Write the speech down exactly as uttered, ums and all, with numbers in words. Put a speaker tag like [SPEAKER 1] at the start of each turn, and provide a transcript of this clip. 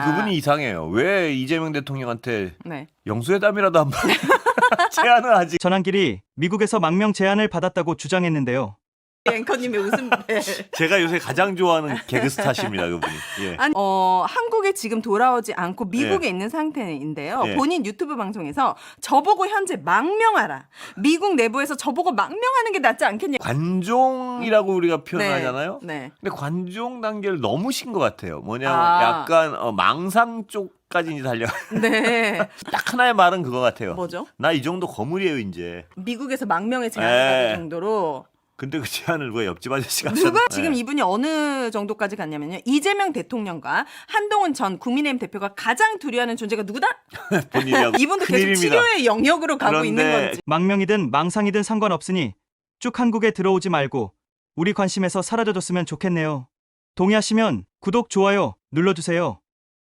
[SPEAKER 1] 그분이 이상해요. 왜 이재명 대통령한테
[SPEAKER 2] 네.
[SPEAKER 1] 영수회담이라도 한번 제안을 하지.
[SPEAKER 3] 전환길이 미국에서 망명 제안을 받았다고 주장했는데요.
[SPEAKER 2] 앵커님의 웃음벨.
[SPEAKER 1] 제가 요새 가장 좋아하는 개그 스타십니다, 그분이. 예.
[SPEAKER 2] 아니, 어, 한국에 지금 돌아오지 않고 미국에
[SPEAKER 1] 예.
[SPEAKER 2] 있는 상태인데요.
[SPEAKER 1] 예.
[SPEAKER 2] 본인 유튜브 방송에서 저보고 현재 망명하라. 미국 내부에서 저보고 망명하는 게 낫지 않겠냐.
[SPEAKER 1] 관종이라고 우리가 표현하잖아요.
[SPEAKER 2] 네. 네.
[SPEAKER 1] 근데 관종 단계를 넘으신 것 같아요. 뭐냐면
[SPEAKER 2] 아.
[SPEAKER 1] 약간 어, 망상 쪽까지 이제 달려.
[SPEAKER 2] 네.
[SPEAKER 1] 딱 하나의 말은 그거 같아요.
[SPEAKER 2] 뭐죠?
[SPEAKER 1] 나 이 정도 거물이에요, 이제.
[SPEAKER 2] 미국에서 망명의 제안을
[SPEAKER 1] 예.
[SPEAKER 2] 받을 정도로.
[SPEAKER 1] 근데 그 제안을 왜 옆집 아저씨가
[SPEAKER 2] 누가
[SPEAKER 1] 하셨나?
[SPEAKER 2] 지금
[SPEAKER 1] 예.
[SPEAKER 2] 이분이 어느 정도까지 갔냐면요. 이재명 대통령과 한동훈 전 국민의힘 대표가 가장 두려워하는 존재가 누구다?
[SPEAKER 1] 본인이하고
[SPEAKER 2] 이분도 계속
[SPEAKER 1] 큰일입니다.
[SPEAKER 2] 치료의 영역으로 가고
[SPEAKER 1] 그런데
[SPEAKER 2] 있는 건지.
[SPEAKER 3] 망명이든 망상이든 상관없으니 쭉 한국에 들어오지 말고 우리 관심에서 사라져줬으면 좋겠네요. 동의하시면 구독, 좋아요 눌러주세요.